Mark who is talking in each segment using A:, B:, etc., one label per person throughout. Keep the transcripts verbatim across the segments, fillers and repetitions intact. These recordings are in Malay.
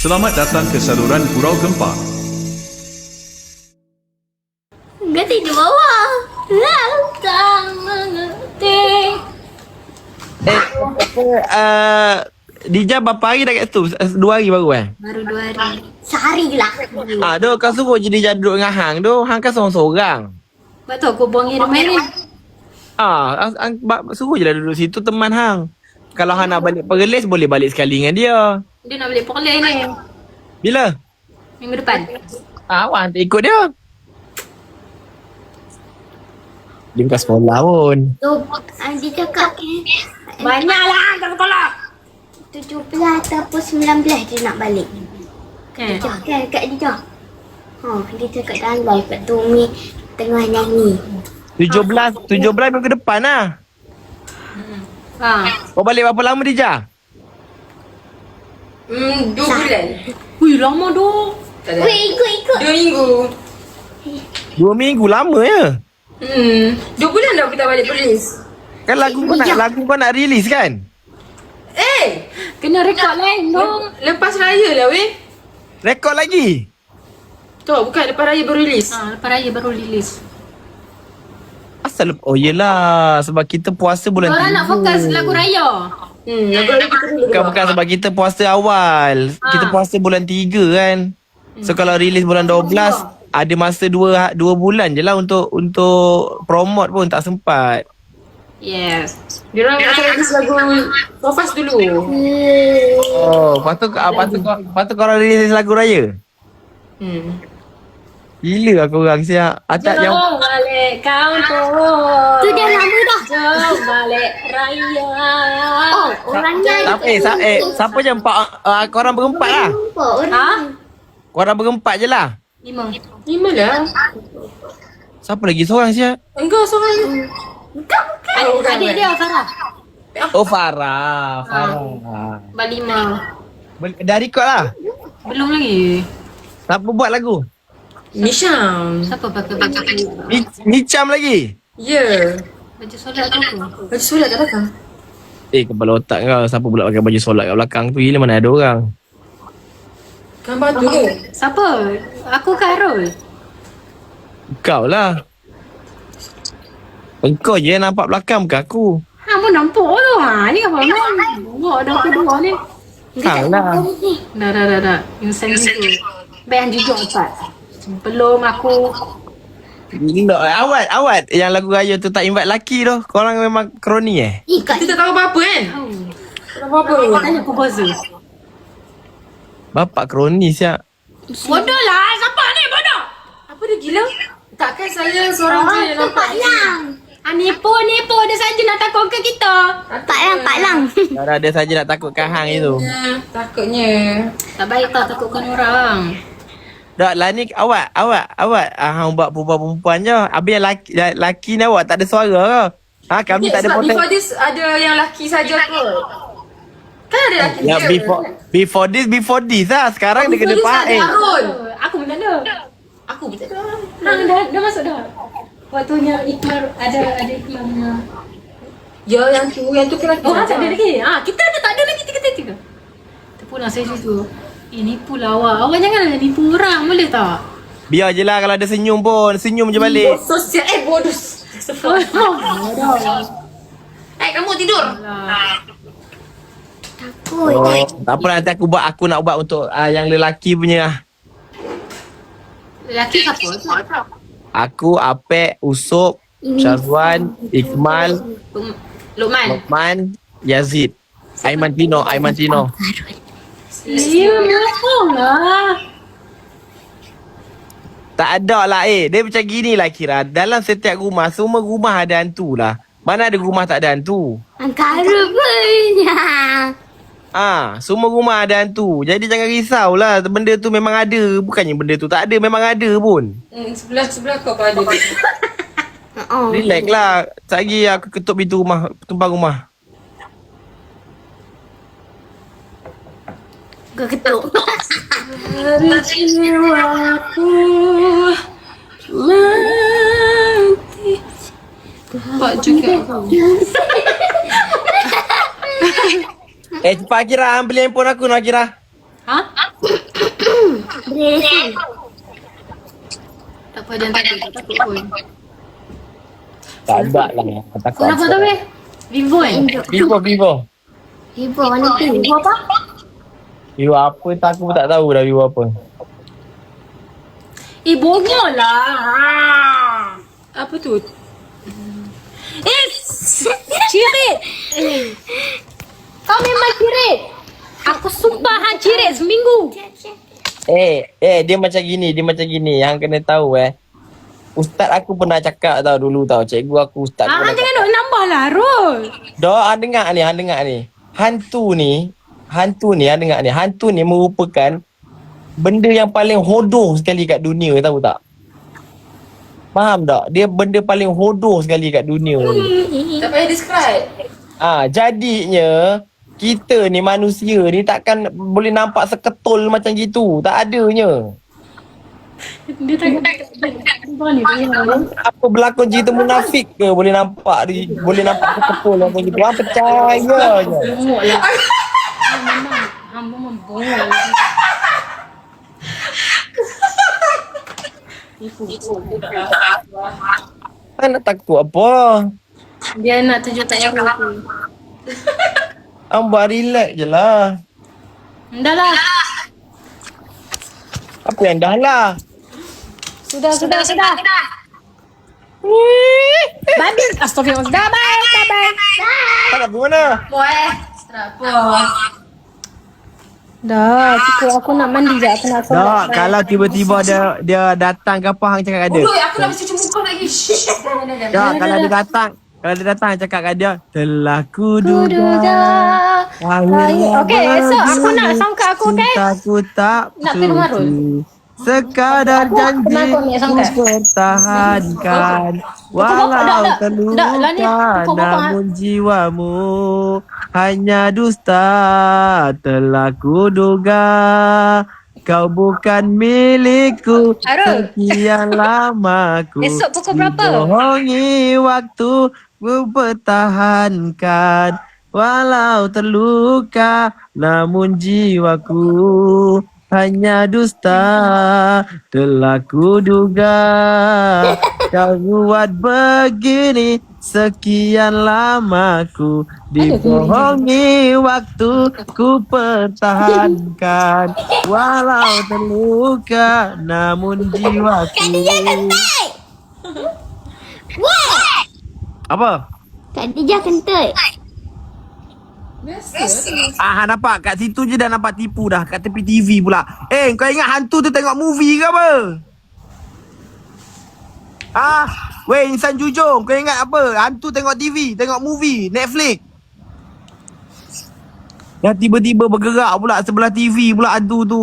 A: Selamat datang ke saluran Gurau Gempa.
B: Ganti di bawah. Lantang mengerti.
C: Eh, apa, uh, Dija berapa hari dah kat situ? Dua hari baru eh?
B: Baru dua hari. Sehari lah.
C: Ah, tu kau suruh je Dija duduk dengan Hang tu. Hang kan seorang-seorang.
B: Betul aku buang air rumah ni.
C: Ah, ang, ang, ba- suruh je lah duduk situ teman Hang. Kalau Hang nak balik Perlis, boleh balik sekali dengan dia.
B: Dia nak balik Perlis ni.
C: Bila?
B: Minggu depan.
C: Ah, awak hantar ikut dia. Dia bukan sekolah pun.
B: Tu, dia cakap banyaklah tak sekolah. tujuh belas ataupun sembilan belas dia nak balik.
C: Eh.
B: Dia kan kat dia. Ha, dia cakap dalam live kat tu Umi tengah nyanyi.
C: tujuh belas, tujuh belas minggu depan lah.
B: Ha.
C: Kau balik berapa lama Dija?
D: Hmm, dua bulan.
B: Wih, lama tu.
D: Tak ada.
B: Weh, ikut ikut.
D: Dua minggu.
C: Dua minggu lama ya?
D: Hmm, dua bulan dah kita balik polis.
C: Kan lagu kau nak, lagu kau nak release kan?
D: Eh,
B: Kena rekod lain dong.
D: lepas raya lah weh.
C: Rekod lagi?
D: Tu bukan lepas raya baru release.
B: Ha, lepas raya baru release.
C: Asal lep- oh yelah, sebab kita puasa bulan
B: Orang nak fokus lagu raya.
D: Hmm, lagu raya kita dulu.
C: Bukan, bukan sebab kita puasa awal.
B: Ha.
C: Kita puasa bulan tiga kan. So kalau release bulan dua belas, ada masa dua dua bulan je lah untuk untuk promote pun tak sempat.
B: Yes.
D: Dia orang nak release lagu Sofas dulu.
C: Oh, lepas tu, ah, lepas tu, kau- lepas tu korang release lagu raya?
D: Hmm.
C: Gila aku orang siap. Atak yang
B: Jom balik kampung. Tu dia lama dah. Jom balik raya. Oh, orangnya
C: Siapa, eh, sa, eh, siapa je empat, uh, korang berempat lah.
B: Ha?
C: Korang berempat je lah.
B: Lima.
D: Lima lah.
C: Siapa lagi seorang siap?
D: Engkau seorang.
B: Bukan, bukan.
D: Oh, bukan,
B: Adik
D: bukan.
B: dia, Farah.
C: Oh Farah. Farah.
B: Berlima.
C: Bel- Dah record lah.
B: Belum lagi.
C: Siapa buat lagu?
D: Nisham.
B: Siapa pakai baju?
C: Ni- Nicam lagi.
D: Ya. Yeah.
B: Baju solat tu apa?
D: Baju solat kat belakang.
C: Eh kepala otak kau. Siapa pula pakai baju solat kat belakang tu? Gila mana ada orang.
D: Gambar tu ke?
B: Siapa? Aku ke Arul?
C: Kau lah. Engkau je yang nampak belakang bukan aku.
B: Ha, pun nampak tu. Ha, ni apa main? Buat dah kedua ni.
C: Kau lah.
B: Dah, dah, dah, dah. Insan juga. Bayan juga empat. Belum aku.
C: Gila. Awat, awat. Yang lagu raya tu tak invite laki tu. Korang memang kroni eh?
B: Eh, kat
D: Kita tak tahu apa-apa kan?
B: tahu.
D: Tak tahu apa-apa.
B: Tanya komposer.
C: Bapak kroni siap.
B: Bodoh lah. Siapa ni bodoh?
D: Apa dia gila? Takkan saya seorang je yang nampak ni.
B: Ah, nipu, nipu. Dia saja nak takutkan kita. Pak Lang, Pak Lang.
C: Kalau ada saja nak takutkan hang itu.
D: Ya, takutnya.
B: Tak baik tak takutkan orang.
C: Dah lah ni awak, awak, awak ah, hang buat perempuan-perempuan je. Habis yang laki, laki ni awak tak ada suara ke? Ha, kami
D: Ya,
C: tak ada
D: sebab
C: poten.
D: before this ada yang lelaki saja kot. Kan ada lelaki
C: Ya,
D: je.
C: before before this, before this lah. Sekarang dia kena
D: Before this ada
C: pakai.
D: Harun.
B: Aku pun tak ada.
D: Aku pun tak ada.
B: Ha, dah, dah masuk dah. Waktunya iklan ada ada iklannya.
D: Ya, yang tu, yang tu kira
B: Oh, tak ada lagi. Ah, kita ada tak ada lagi tiga-tiga. Terpulang saya juga. Eh, nipu lah awak. Awak janganlah nipu orang, boleh tak?
C: Biar je lah kalau ada senyum pun. Senyum je balik.
D: Sosial, eh bodoh.
B: Bodoh.
D: Eh, kamu tidur.
B: Takut.
C: Oh, tak apa nanti aku buat, aku nak buat untuk uh, yang lelaki punya.
B: Lelaki siapa?
C: Aku, Apek, Usop, Syazwan, Ikmal,
B: Luk- Lukman.
C: Lokman, Yazid. Aiman Tino, Aiman Tino.
B: Ya, bohong lah.
C: Tak ada lah eh. Dia macam gini lah Kira. Dalam setiap rumah, semua rumah ada hantu lah. Mana ada rumah tak ada hantu?
B: Angkara punya.
C: Ah, semua rumah ada hantu. Jadi jangan risau lah. Benda tu memang ada. Bukannya benda tu tak ada. Memang ada pun.
D: Hmm, sebelah sebelah kau pun ada.
B: Oh.
C: Relax lah. Sekejap lagi aku ketuk pintu rumah. Tumpang rumah.
B: Kau ketuk.
D: Hari jiwaku mati. Pak juga.
C: Eh cepat Akira, beli handphone aku nak Akira.
B: Ha?
E: Beresin.
B: Tak apa, jangan takut. Tak takut pun.
C: Tak ada lah. Takut
B: Phone apa tu weh? Vivo kan?
C: Vivo, Vivo.
E: Ibu mana tu? Ibu apa?
C: Vivo apa tak aku pun tak tahu dah Vivo apa.
B: Eh, bongol lah. Apa tu? Eh, cirit. Eh, kau memang cirit. Aku sumpah hang cirit seminggu.
C: Eh, eh dia macam gini, dia macam gini. Yang kena tahu eh. Ustaz aku pernah cakap tau dulu tau. Cikgu aku ustaz
B: Ah,
C: pernah
B: jangan
C: cakap.
B: nak nambah lah, Rol.
C: Dah, hang dengar ni, hang dengar ni. Hantu ni, hantu ni, hang dengar ni. Hantu ni merupakan benda yang paling hodoh sekali kat dunia, tahu tak? Faham tak? Dia benda paling hodoh sekali kat dunia ni.
D: Tak payah describe.
C: Ah, jadinya kita ni manusia ni takkan boleh nampak seketul macam gitu. Tak adanya.
B: Dia tak Bukan ni, dia
C: Apa berlakon cerita munafik ke boleh nampak di, boleh nampak seketul macam gitu. Hang percaya je.
B: bongol lah. Hang memang, hang memang bongol.
C: Hang nak takut apa?
B: Dia nak tunjuk tak aku tu.
C: Hang buat relax je lah.
B: Dah lah.
C: Apa yang dah lah?
B: Sudah, sudah, sudah. Bye. Astagfirullah. Dah, bye. Bye, bye.
C: Hang nak pergi mana?
D: Boy. Kenapa?
B: Dah, cukup. Aku nak mandi je. Aku nak solat.
C: Tak, kalau tiba-tiba dia dia datang ke apa hang cakap kat dia.
D: Bodoh, aku nak cuci muka lagi. Shh. Jangan, jangan,
C: Ya,
D: jangan.
C: kalau dia datang, kalau dia datang cakap kat dia, telah
B: Kuduga.
C: kuduga.
B: Okey, esok aku nak sangka aku, okey?
C: Cintaku tak
B: Nak pergi rumah Rul?
C: suci. Sekadar janji
B: kenapa ni
C: ku
B: sangka?
C: pertahankan
B: Pukul bapak, dak,
C: walau
B: dak. Dak, lah ni,
C: terluka
B: pukul bapak,
C: namun jiwamu hanya dusta telah kuduga kau bukan milikku
B: Arul.
C: sekian lama ku
B: Esok pukul berapa?
C: dibohongi waktu ku pertahankan walau terluka namun jiwaku hanya dusta telah kuduga kau buat begini sekian lama ku dibohongi waktu ku pertahankan walau terluka namun jiwaku. Apa?
E: Kak Dija kentut.
C: Ah, hang nampak kat situ je dah nampak tipu dah kat tepi T V pula. Eh, kau ingat hantu tu tengok movie ke apa? Ah, weh insan jujur, kau ingat apa? Hantu tengok T V, tengok movie, Netflix. Dah tiba-tiba bergerak pula sebelah T V pula hantu tu.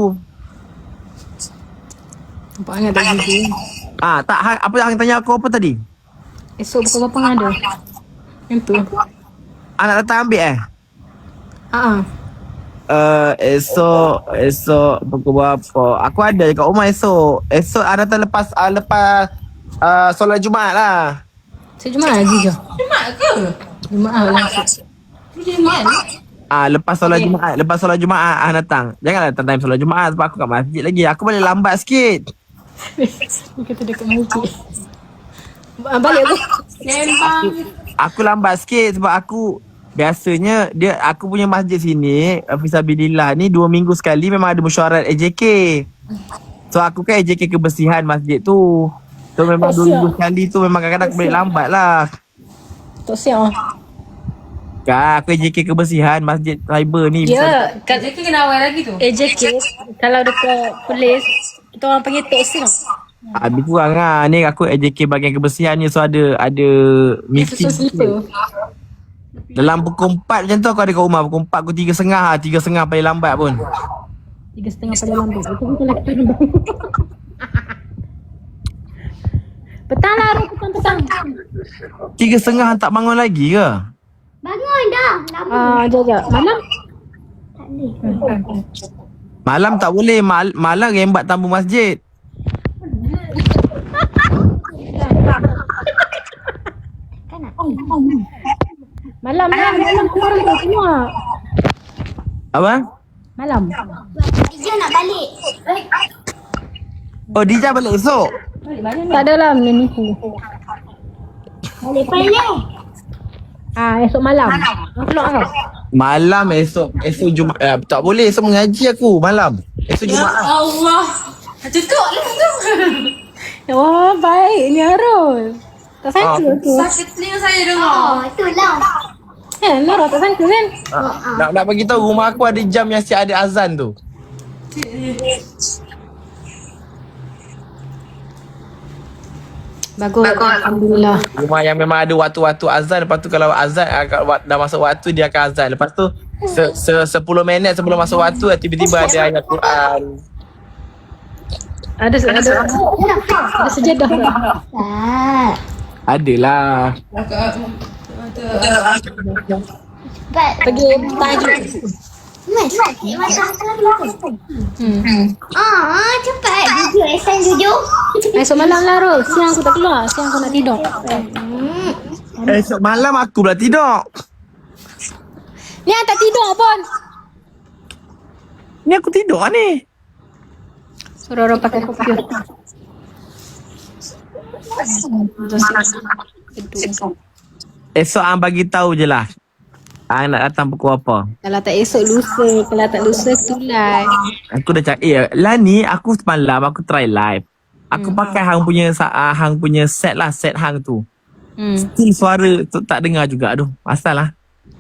B: Nampak ingat tak gitu.
C: Ah, tak hang, apa hang tanya aku apa tadi?
B: Esok pukul berapa hang ada? Yang tu.
C: Anak datang ambil eh?
B: Haa.
C: Uh, esok esok pukul berapa? Aku ada dekat rumah esok. Esok ada datang lepas uh, lepas uh, solat Jumaat lah.
B: Saya Jumaat lagi ke?
D: Jumaat ke?
B: Jumaat lah.
D: Jumaat.
C: Ah, lepas solat
B: Okay.
C: Jumaat, lepas solat Jumaat ah datang. Janganlah datang time solat Jumaat sebab aku kat masjid lagi. Aku balik lambat sikit.
B: Dia kata dekat masjid. Ah, balik aku.
D: Sembang.
C: Aku lambat sikit sebab aku biasanya dia aku punya masjid sini Fisabilillah ni dua minggu sekali memang ada mesyuarat A J K. So aku kan A J K kebersihan masjid tu. So memang
B: Oh,
C: dua
B: siap.
C: minggu sekali tu memang kadang-kadang aku balik lambat lah.
B: Tak siap ah.
C: Kan aku A J K kebersihan masjid cyber ni.
B: Ya,
D: Kak Jackie kena awal lagi tu.
B: A J K kalau dekat polis kita orang panggil tok sim.
C: Ah, lebih kurang lah. Ni aku A J K bahagian kebersihan ni. So ada ada meeting
B: Susun slipper.
C: dalam pukul empat macam tu aku ada kat rumah. Pukul empat, pukul tiga setengah lah. Tiga setengah paling lambat pun.
B: Tiga setengah pada lambat. Itu bukan lagi petang bang. Petang lah, Rom. Petang, petang.
C: Tiga setengah tak bangun lagi ke?
E: Bangun dah. Lama.
B: Ah, jap, jap. Malam?
E: Tak boleh.
C: Malam tak boleh. Mal- malam rembat tamu masjid.
E: Kan nak.
B: Malam lah. Malam keluar tu semua.
C: Apa?
B: Malam.
E: Dija Dija nak balik.
C: Oh, Dija balik esok.
B: Tak adalah menipu.
E: Balik balik.
B: Ah, esok malam. Keluar kau.
C: Malam esok. Esok Jumaat. Eh, tak boleh. Esok mengaji aku. Malam. Esok
D: Ya
C: Jumaat.
D: Allah. Tutup lah tu.
B: Wah, baiknya Rol. Tak sangka
C: Ah.
B: tu.
D: Sakit telinga saya dengar.
E: Oh, itulah.
B: Kan, Nora tak sangka kan?
C: Ah, nak nak bagi tahu rumah aku ada jam yang siap ada azan tu.
B: Bagus. Alhamdulillah.
C: Rumah yang memang ada waktu-waktu azan. Lepas tu kalau azan agak wa- dah masuk waktu dia akan azan. Lepas tu se, se, sepuluh minit sebelum masuk waktu tiba-tiba ada ayat Quran.
B: Ada ada ada sejadah tak?
E: Tak.
C: Adalah.
E: Cepat.
B: Pergi tahajud.
E: Mas, sakit mata aku.
B: Hmm.
E: Ah, cepat. Jujur, Ehsan jujur.
B: Esok malam lah Rol. Siang aku tak keluar. Siang aku nak tidur.
C: Esok malam aku pula tidur.
B: Ni yang tak tidur pun.
C: Ni aku tidur ni.
B: Suruh orang pakai kopi.
C: Esok ang bagi tahu je lah. Ang nak datang pukul apa.
B: Kalau tak esok lusa. Kalau tak lusa tu live.
C: Aku dah cakap, eh lah ni aku semalam aku try live. Aku hmm. pakai hang punya uh, hang punya set lah, set hang tu.
B: Hmm.
C: Still suara tu tak dengar juga. Aduh, asal lah.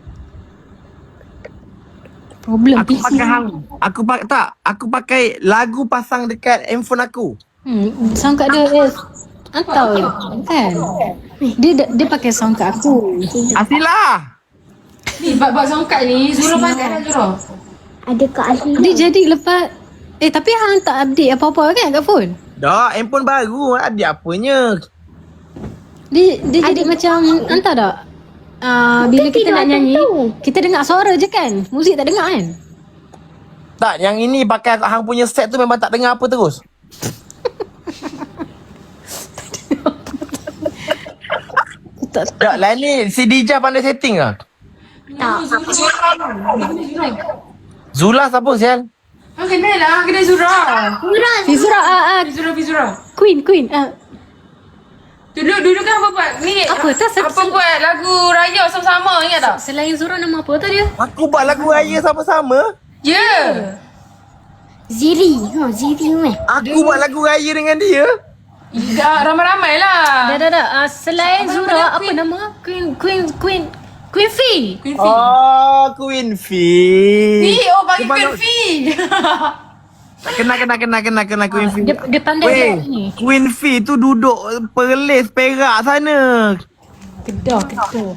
B: Problem
C: Aku
B: P C.
C: pakai hang. Aku pakai tak, aku pakai lagu pasang dekat handphone aku.
B: Hmm, sound kat dia eh, antau kan. Dia dia pakai sound kat aku.
C: Asilah.
D: Ni bab-bab songkat ni Zura pakai dah Zura.
E: Ada Kak Asli.
B: Dia jadi lepas eh tapi hang tak update apa-apa kan kat phone.
C: Dah, handphone baru. Ada apanya?
B: Dia dia jadi macam entah tak. Uh, bila kita nak nyanyi, kita dengar suara je kan. Muzik tak dengar kan.
C: Tak, yang ini pakai hang punya set tu memang tak dengar apa terus.
B: Tak
C: Tak, lah ni si Dija pandai setting ke?
E: Tak.
C: Zula siapa sial?
D: Ah, kenal lah, kenal Zura.
E: Kurang.
B: Fizura ah, ah
D: Zura, Zura.
B: Queen Queen ah.
D: Dulu dulu kan apa buat ni?
B: Apa tu?
D: Apa buat lagu raya sama-sama, ingat tak?
B: Selain Zura nama apa tu dia?
C: Aku buat lagu raya sama-sama.
D: Ya. Yeah.
E: Ziri. Ha, Ziri meh.
C: Aku buat lagu raya dengan dia.
D: Dah ramai-ramai lah.
B: Dah dah dah. Uh, selain
D: Apa
B: Zura
D: nama
B: apa
D: Queen?
B: nama? Queen Queen Queen Queen Fee.
D: Queen Fee.
C: Oh, Queen Fee.
D: Ni, oh bagi
C: Dia
D: Queen
C: baru-
D: Fee.
C: Kena, kena, kena, kena, kena Queen Fee.
B: Dia dia pandai
C: Weh,
B: buat ni.
C: Queen Fee tu duduk Perlis, Perak sana.
B: Kedah kedah.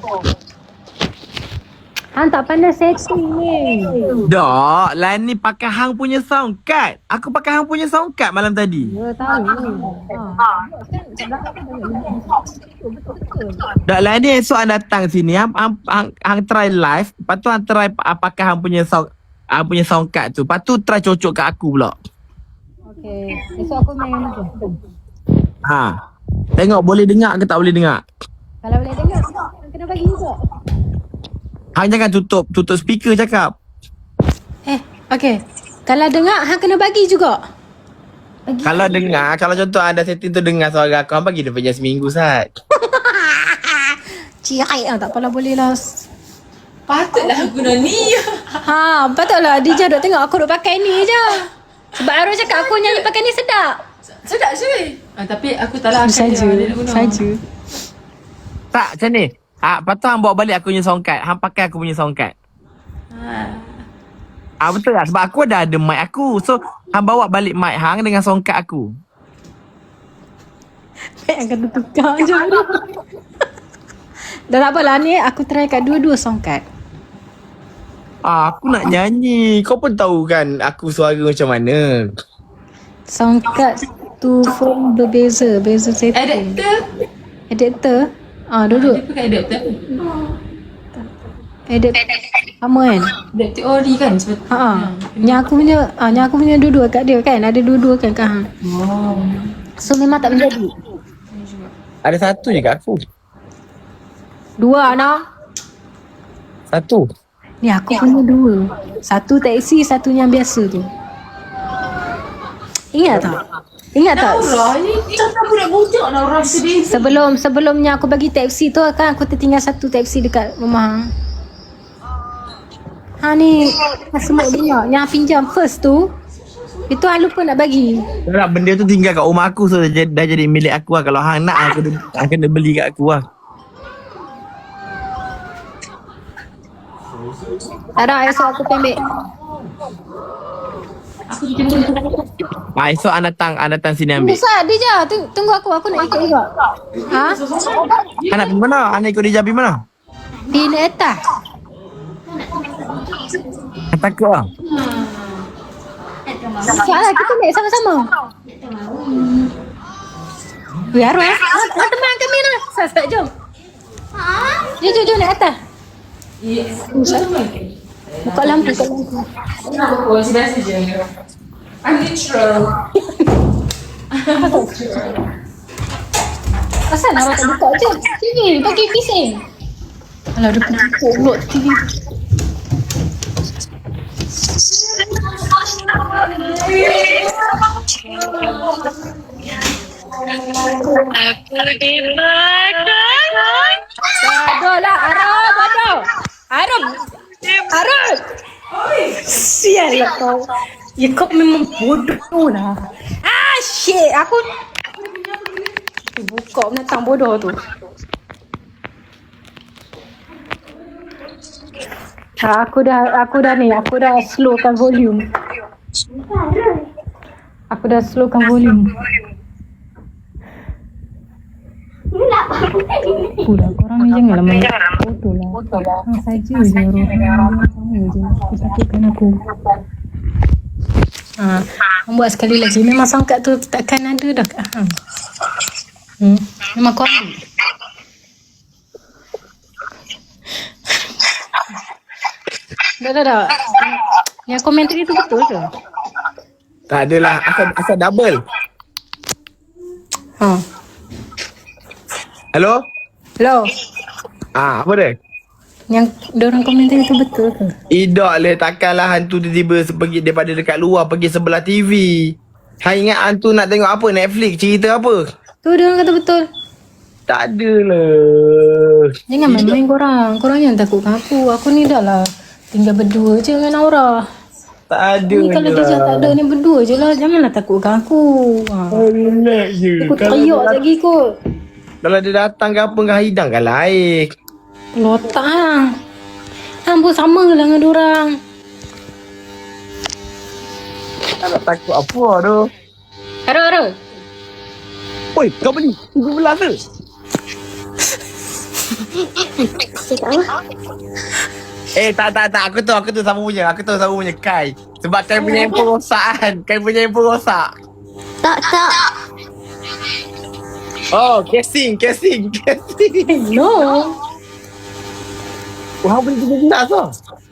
B: Hang tak pandai setting ni.
C: Dok, lah ni pakai hang punya sound card. Aku pakai hang punya sound card malam tadi.
B: Ya tahu. Ha.
C: Dok, lah ni esok hang datang sini. Hang, hang, hang, hang try live. Lepas tu hang try uh, pakai hang punya sound hang punya sound card tu. Lepas tu try cocok kat aku pula.
B: Okey. Esok aku main apa?
C: Ha. Tengok boleh dengar ke tak boleh dengar.
B: Kalau boleh dengar, hang kena bagi juga.
C: Hang jangan tutup tutup speaker cakap.
B: Eh, okey. Kalau dengar, hang kena bagi juga. Bagi.
C: Kalau dengar, kalau contoh anda setting tu dengar suara aku, hang bagi dia punya seminggu sat.
B: Cirai ah, tak apalah boleh lah.
D: Patutlah guna ni.
B: Ha, patutlah Dija duk tengok aku duk pakai ni je. Sebab Arul cakap aku nyanyi pakai ni sedap.
D: Sedap je. Ah, tapi aku tak lah akan
B: Saja,
D: dia guna.
B: saja.
C: Tak, macam ni. Ha, lepas tu hang bawa balik aku punya sound card. Hang pakai aku punya sound card.
D: Ha.
C: Ah betul tak? Sebab aku dah ada mic aku. So, hang bawa balik mic hang dengan sound card aku.
B: Baik akan tukar je. Dah tak apalah ni aku try kat dua-dua sound card.
C: Ah, aku nak nyanyi. Kau pun tahu kan aku suara macam mana.
B: Sound card tu phone berbeza, beza setting.
D: Adapter.
B: Adapter. Ah, duduk.
D: Dia pakai adapter.
B: Adapter. Sama kan?
D: Adapter ori kan? Sebab,
B: Ha ah. Yang aku punya, ah yang aku punya dua-dua kat dia kan. Ada dua-dua kan kat hang.
D: Oh.
B: So memang tak menjadi.
C: Ada satu je kat aku.
B: Dua nak.
C: Satu.
B: Ni aku punya dua. Satu taxi, satu yang biasa tu. Ingat tak? Ingat tak?
D: Naura ni macam budak-budak Naura sedih.
B: Sebelum sebelumnya aku bagi taxi tu kan aku tertinggal satu taxi dekat rumah. Ha ni semua dia yang pinjam first tu. Itu I lupa nak bagi.
C: Tak, benda tu tinggal kat rumah aku, so dah, dah jadi milik aku lah. Kalau hang nak, aku kena, hang kena beli kat aku lah.
B: Tak ada, esok aku ambil.
C: Ah, esok hang datang, hang datang sini ambil.
B: Bisa, dia je. Tunggu, tunggu aku, aku nak ikut juga. Ha?
C: Hang nak pergi mana? Hang nak ikut dia pergi mana?
B: Di atas.
C: Hang takut lah.
B: Salah, kita naik sama-sama. Biar lah. Ah, teman kami lah. Sat-sat, jom. Jom, jom, jom naik atas. Buka lampu, buka lampu.
D: Aku masih biasa je. I'm neutral.
B: Asal nak tak buka je? Sini, bagi pising. Alah, dia pergi pulot T V. Bodoh lah, Arab, bodoh. Arab. Arab. Sial lah kau. Ya kau memang bodoh lah. Ah, shit. Aku buka binatang bodoh tu. Ha, aku dah aku dah ni, aku dah slowkan volume. Aku dah slowkan volume. Pula korang ni janganlah main bodoh lah. Hang saja je orang sama je. Aku sakitkan aku. Ha, hang buat sekali lagi. Memang sangkat tu takkan ada dah kat hang. Hmm, memang kau ambil. Dah, dah, dah. Yang komentari tu betul ke?
C: Tak adalah, asal, asal double.
B: Ha.
C: Hello?
B: Hello.
C: Ah, apa dia?
B: Yang diorang komentari tu betul ke?
C: Idak lah, takkanlah hantu tiba-tiba pergi daripada dekat luar pergi sebelah T V. Hang ingat hantu nak tengok apa? Netflix, cerita apa?
B: Tu diorang kata betul.
C: Tak adalah.
B: Jangan main-main korang. Korang jangan takutkan aku. Aku ni dah lah tinggal berdua je dengan Aura.
C: Tak ada
B: Ni kalau dia cakap tak ada ni berdua je lah. Janganlah takutkan aku. Ha.
C: Oh, relax je.
B: Aku teriak lagi kot.
C: Kalau dia datang ke apa dengan hidang kan lain.
B: Lotak lah. Hang pun sama lah dengan diorang.
C: Tak nak takut apa tu.
B: Ara, Ara.
C: Oi, kau beli tujuh belas tu. Eh, tak, tak, tak. Aku tahu, aku tahu siapa punya. Aku tahu siapa punya. Kai. Sebab Kai punya handphone rosak kan. Kai punya handphone rosak.
E: Tak, tak.
C: Oh, casing, casing, casing.
B: No.
C: Wah, beli tujuh belas tu.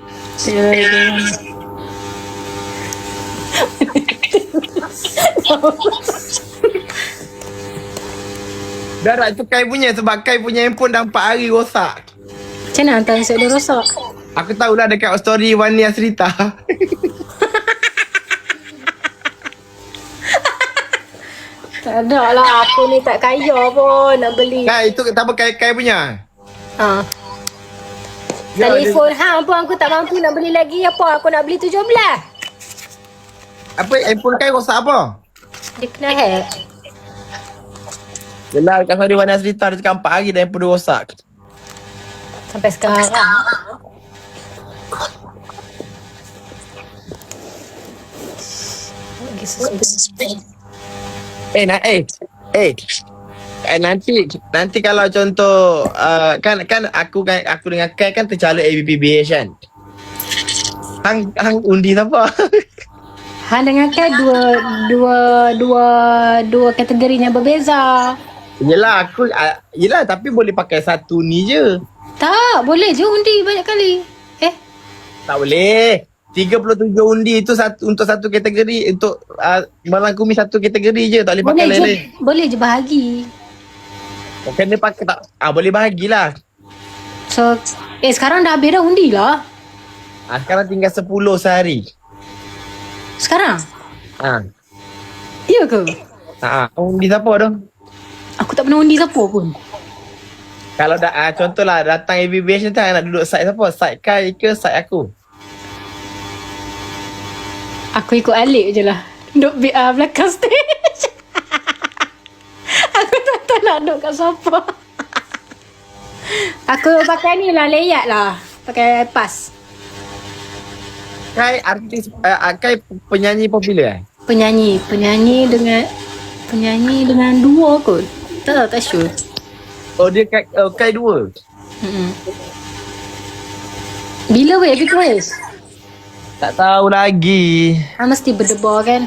C: Dah tak, itu Kai punya. Sebab Kai punya handphone dah empat hari rosak.
B: Macam mana hantar nasib dia rosak?
C: Aku tahulah dekat story Wani Asrita.
B: Tak ada lah. Aku ni tak kaya pun nak beli.
C: Kai, itu tak apa Kai, Kai punya.
B: Ha.
C: Ya,
B: Telefon hang pun aku tak mampu nak beli lagi. Apa? Aku nak beli tujuh belas.
C: Apa handphone Kai rosak apa?
B: Dia kena hack.
C: Yelah, dekat story Wani Asrita dia cakap empat hari dah handphone dia rosak.
B: Sampai sekarang. Lagi suspek.
C: Eh, nak eh. Eh. Eh, nanti nanti kalau contoh uh, kan kan aku kan aku dengan Kai kan tercalon A B P B H kan. Hang hang undi siapa?
B: Han dengan Kai dua dua dua dua kategorinya berbeza.
C: Yelah aku uh, yelah tapi boleh pakai satu ni je.
B: Tak, boleh je undi banyak kali. Eh,
C: Tak boleh. tiga puluh tujuh undi itu satu untuk satu kategori, untuk uh, merangkumi satu kategori je, tak boleh pakai
B: boleh
C: lain-lain.
B: je, boleh je bahagi.
C: Kena pakai tak? Ah boleh bahagilah.
B: So, eh sekarang dah habis dah undi lah.
C: Ah sekarang tinggal sepuluh sehari.
B: Sekarang?
C: Ah.
B: Ya ke?
C: Ha, undi siapa tu?
B: Aku tak pernah undi siapa pun.
C: Kalau dah ah, contohlah datang A B B H ni tak nak duduk side siapa? Side Kai ke side aku?
B: Aku ikut Alik je lah. Duduk B R belakang stage. Aku tak tahu nak duduk kat siapa. Aku pakai ni lah, layout lah. Pakai pas.
C: Kai artis uh, Kai penyanyi popular eh?
B: Penyanyi. Penyanyi dengan... Penyanyi dengan dua kot. Tak tahu, tak sure.
C: Oh dia Kai, oh, Kai dua.
B: Mm-mm. Bila weh Big West?
C: Tak tahu lagi.
B: Ah, mesti berdebar kan?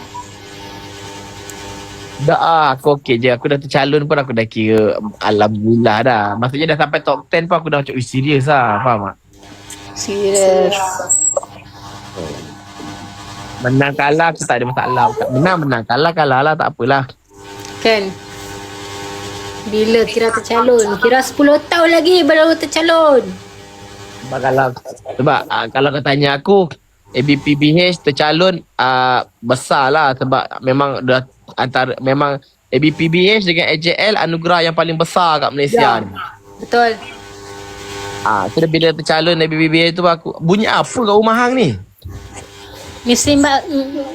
C: Dah ah, aku okey je. Aku dah tercalon pun aku dah kira alhamdulillah dah. Maksudnya dah sampai top ten pun aku dah macam eh, serius lah. Faham tak?
B: Serius.
C: Menang kalah aku tak ada masalah. Menang menang kalah kalah lah tak apalah.
B: Kan? Bila kira tercalon? Kira sepuluh tahun lagi baru tercalon.
C: Sebab kalau sebab uh, kalau kau tanya aku A B P B H tercalon uh, besar lah sebab memang dah antara memang A B P B H dengan A J L anugerah yang paling besar kat Malaysia
B: Ya.
C: ni.
B: Betul.
C: Ah, so bila tercalon A B P B H tu aku bunyi apa kat rumah hang ni?
B: Mesti mbak...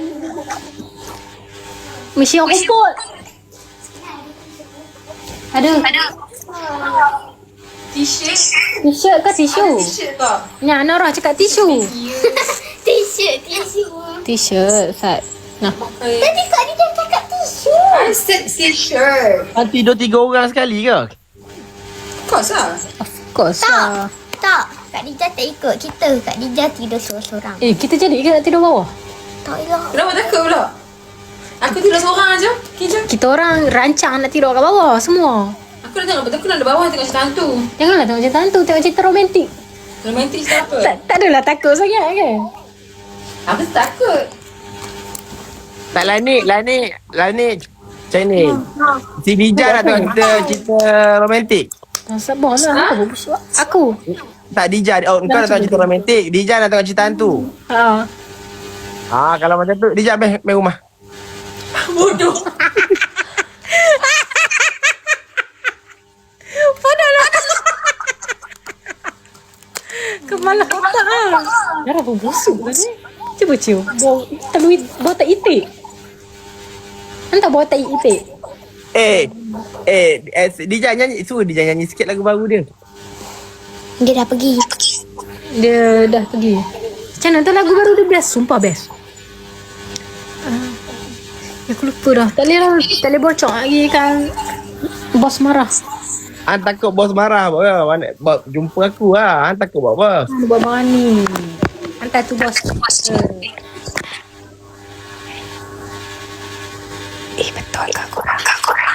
B: Mesti orang kumpul. Ada.
D: T-shirt.
B: T-shirt ke tisu?
D: T-shirt kau.
B: Ni anak orang cakap tisu.
E: T-shirt, tisu.
B: T-shirt, Sat. Nah.
E: Tadi Kak Dija cakap tisu.
D: I said t-shirt.
C: Hang tidur tiga orang sekali ke?
D: Of course lah.
B: Of course
E: Tak.
B: lah.
E: Tak. Kak Dija tak ikut kita. Kak Dija tidur seorang-seorang.
B: Eh, kita jadi ke nak tidur bawah?
E: Tak lah.
D: Kenapa takut pula? Aku tidur seorang aja. Kijang.
B: Kita orang rancang nak tidur kat bawah semua.
D: Aku dah tengok betul aku nak ada bawah tengok cerita hantu.
B: Janganlah tengok cerita hantu, tengok cerita romantik.
D: Romantik cerita apa?
B: Tak, tak adalah takut sangat kan?
D: Aku takut.
C: Tak lah ni, lah ni, lah ni. Macam ni. Si Dija nak tengok cerita, cerita romantik.
B: Tak sabar lah. Apa busuk? Aku.
C: Tak Dija, oh kau nak tengok cerita romantik. Dija nak tengok cerita hantu.
B: Ha.
C: Ah, kalau macam tu Dija main, main rumah.
D: Bodoh.
B: Padahlah. Kemalah otak lah. Darah pun busuk kan ni. Cuba cium. Bau telur, bau tak itik. Entah bau tak itik.
C: Eh, eh, eh Dija nyanyi, suruh Dija nyanyi sikit lagu baru dia.
E: Dia dah pergi.
B: Dia dah pergi. Macam mana tu lagu baru dia best. Sumpah best. Uh, aku lupa dah. Tak boleh lah. Tak boleh bocor lagi kan. Bos marah.
C: Han takut bos marah apa? Mana bos jumpa aku lah. Han takut buat apa?
B: Han buat marah ni. Hantar tu bos. Eh betul ke korang? Ke korang?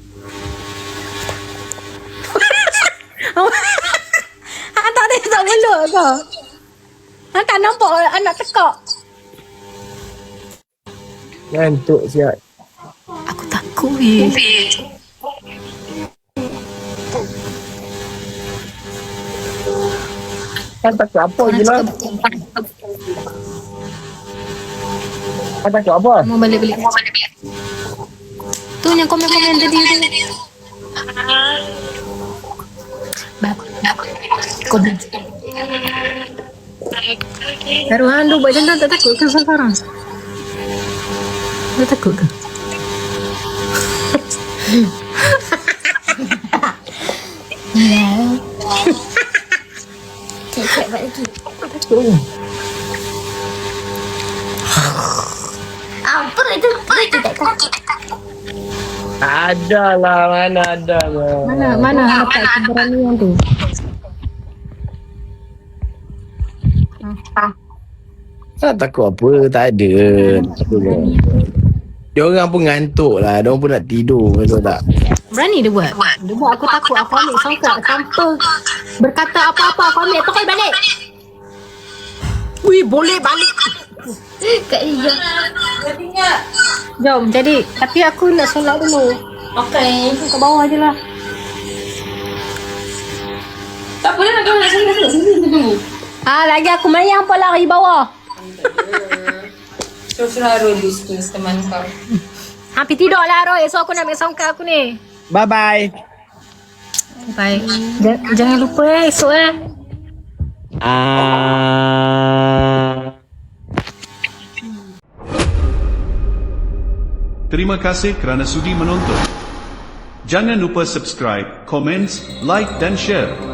B: Han tak ada tak meluk ke? Han tak nampak anak tekak.
C: Ngantuk siap.
B: Aku takut weh.
C: Han takut apa je lah. Han takut apa?
B: Mau balik-balik. Tu yang komen-komen tadi tu. Bab. Komen. Baru handu buat macam tu tak takut ke sekarang? Tak takut ke?
E: Cek buat lagi.
C: Takut.
E: Apa itu? Itu tak takut.
C: Ada lah, mana ada lah.
B: Mana mana dapat keberanian tu?
C: Tak takut apa, tak ada. Takut apa. Dia orang pun ngantuk lah, dia orang pun nak tidur, betul tak?
B: Berani dia buat. Dia buat aku takut. Aku ambil sangkut tanpa berkata apa-apa. Aku ambil terus balik. Wih, boleh balik.
E: Kak Dija.
D: Dah tinggal.
B: Jom, jadi. Tapi aku nak solat dulu.
D: Okay.
B: Ke bawah je lah.
D: Tak boleh nak kau nak sini sini sini tunggu.
B: Ah, lagi aku mayang pun lari bawah.
D: Suruh-suruh Arul di situ teman kau.
B: Hampir tidur lah Roy. Esok aku nak ambil songkak aku ni.
C: Bye-bye.
B: Bye. J- jangan lupa eh esok eh.
C: Ah.
A: Terima kasih kerana sudi menonton. Jangan lupa subscribe, komen, like dan share.